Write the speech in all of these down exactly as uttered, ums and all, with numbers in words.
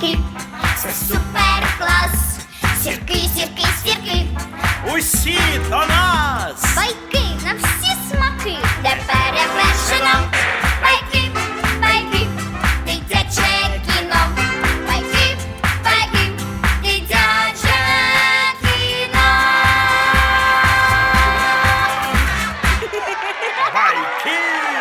зірки, це супер клас. Сірки, сірки, сірки, Усі до нас! байки на всі смаки, де перевершено. Байки, байки, дитяче кіно. Байки, байки, дитяче кіно. Байки!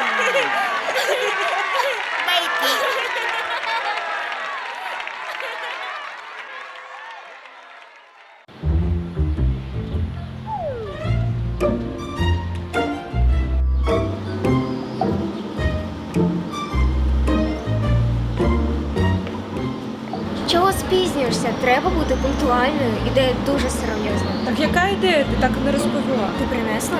Чого спізнюєшся? Треба бути пунктуальною. Ідея дуже серйозна. Так яка ідея? Ти так і не розповіла. Ти принесла?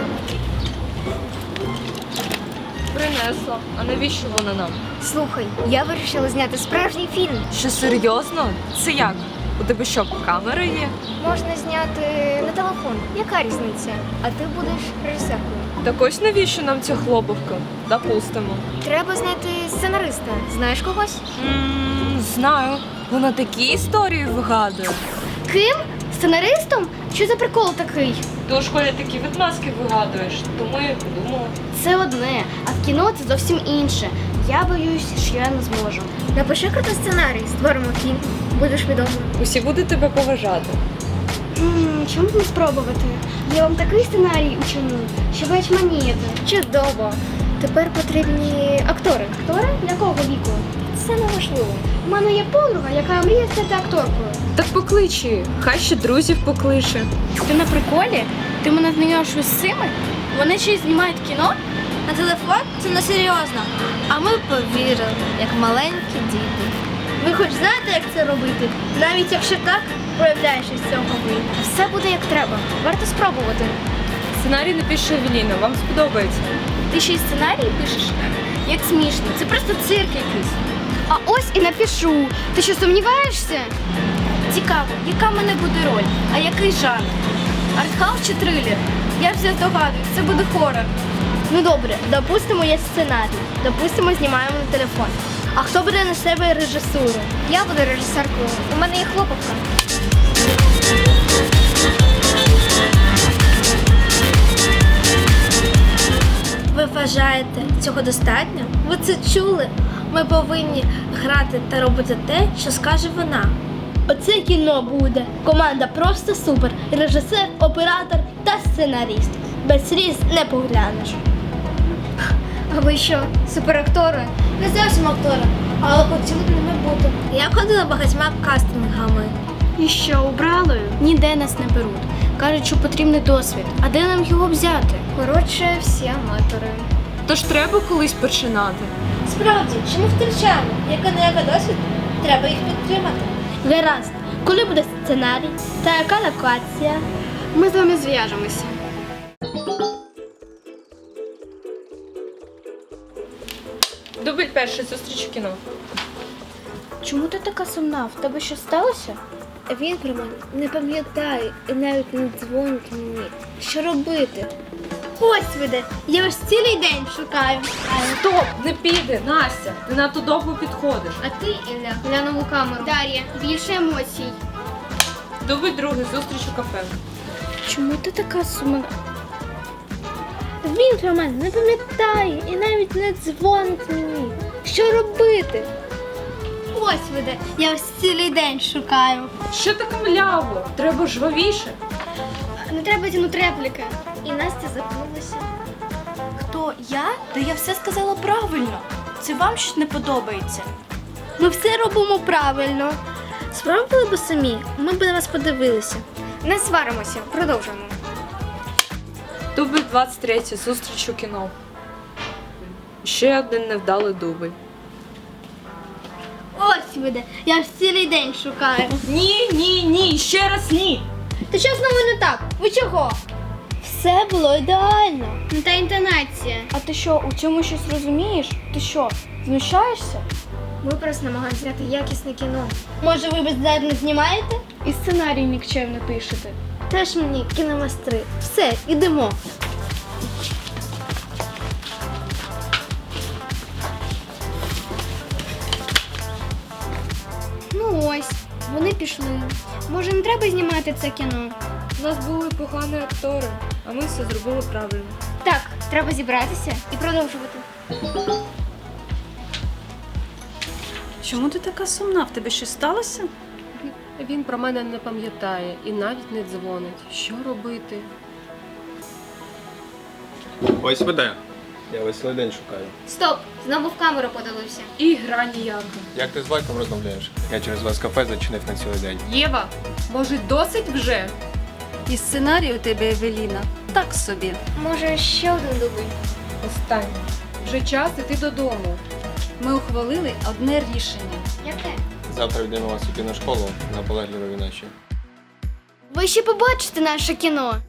Принесла. А навіщо вона нам? Слухай, я вирішила зняти справжній фільм. Що серйозно? Це як? У тебе що, камера є? Можна зняти на телефон. Яка різниця? А ти будеш режисеркою. Так ось навіщо нам ця хлопавка? Допустимо. Треба знайти сценариста. Знаєш когось? М, Знаю. Вона такі історії вигадує. Ким? Сценаристом? Що за прикол такий? Ти у школі такі відмазки вигадуєш, тому я подумала. Це одне, а в кіно це зовсім інше. Я боюсь, що я не зможу. Напиши крутий сценарій, створимо фільм. Будеш відомим. Усі будуть тебе поважати. М, Чому б не спробувати? Я вам такий сценарій учиню, що ви очманієте. Чудово. Тепер потрібні актори. Актори? Якого віку? Це не важливо. У мене є подруга, яка мріє стати акторкою. Так поклич її. Хай ще друзів покличе. Ти на приколі? Ти мене знайомиш з цими? Вони ще й знімають кіно? На телефон? Це не серйозно. А ми повірили, як маленькі діти. Ви хоч знаєте, як це робити? Навіть якщо так, проявляєш із цього вийде. Все буде як треба. Варто спробувати. Сценарій напише Евеліна, вам сподобається. Ти ще й сценарії пишеш? Як смішно. Це просто цирк якийсь. А ось і напишу. Ти що, сумніваєшся? Цікаво, яка в мене буде роль? А який жанр? Артхаус чи трилер? Я вже здогадуюсь, це буде хорор. Ну добре, допустимо, є сценарій. Допустимо, знімаємо на телефон. А хто буде на себе режисуру? Я буду режисеркою. У мене є хлопавка. Ви вважаєте, цього достатньо? Ви це чули? Ми повинні грати та робити те, що скаже вона. Оце кіно буде. Команда просто супер. Режисер, оператор та сценаріст. Без сліз не поглянеш. А ви що, суперактори? Не зовсім актори, але хотіли б ними бути. Я ходила багатьма кастингами. І що, убрали? Ніде нас не беруть. Кажуть, що потрібний досвід. А де нам його взяти? Коротше, всі аматори. Тож треба колись починати. Справді, чи ми втрачаємо? Яка не яка досвід? Треба їх підтримати. Гаразд. Коли буде сценарій? Та яка локація? Ми з вами зв'яжемося. Дубль перший, зустріч у кіно. Чому ти така сумна? В тебе що сталося? Він про мене не пам'ятає і навіть не дзвонить мені. Що робити? Ось ви де. Я вас цілий день шукаю. Стоп, не піде, Настя, ти надто довго підходиш. А ти, Ілля, глянув у камеру. Дар'я, більше емоцій. Дубль другий, зустріч у кафе. Чому ти така сумна? Він про мене не пам'ятає і навіть не дзвонить мені. Що робити? Ось ви де. Я вас цілий день шукаю. Що таке мляво? Треба жвавіше. Не треба тянути репліки. І Настя запнулася. Хто я? Та я все сказала правильно. Це вам щось не подобається. Ми все робимо правильно. Спробували б самі, ми б на вас подивилися. Не сваримося, продовжуємо. Дубль двадцять три, зустріч у кіно. Ще один невдалий дубль. Ось ви де. Я вас цілий день шукаю. Ні, ні, ні, ще раз ні. Та що знову не так? Ви чого? Все було ідеально. Не та інтонація. А ти що, у цьому щось розумієш? Ти що, знущаєшся? Ми просто намагаємося зняти якісне кіно. Може, ви бездарно знімаєте? І сценарій нікчемно пишете. Теж мені кіномастри. Все, ідемо. Ну ось, вони пішли. Може, не треба знімати це кіно? У нас були погані актори, а ми все зробили правильно. Так, треба зібратися і продовжувати. Чому ти така сумна? В тебе щось сталося? Він про мене не пам'ятає і навіть не дзвонить. Що робити? Ось ви де. Я весь цілий день шукаю. Стоп! Знову в камеру подивився. І гра ніяка. Як ти з батьком розмовляєш? Я через вас кафе зачинив на цілий день. Єва, може досить вже? І сценарій у тебе, Евеліна, так собі. Може, ще один дубль? Останнє. Вже час іти додому. Ми ухвалили одне рішення. Яке? Завтра йдемо вас у кіношколу на полегливі наші. Ви ще побачите наше кіно.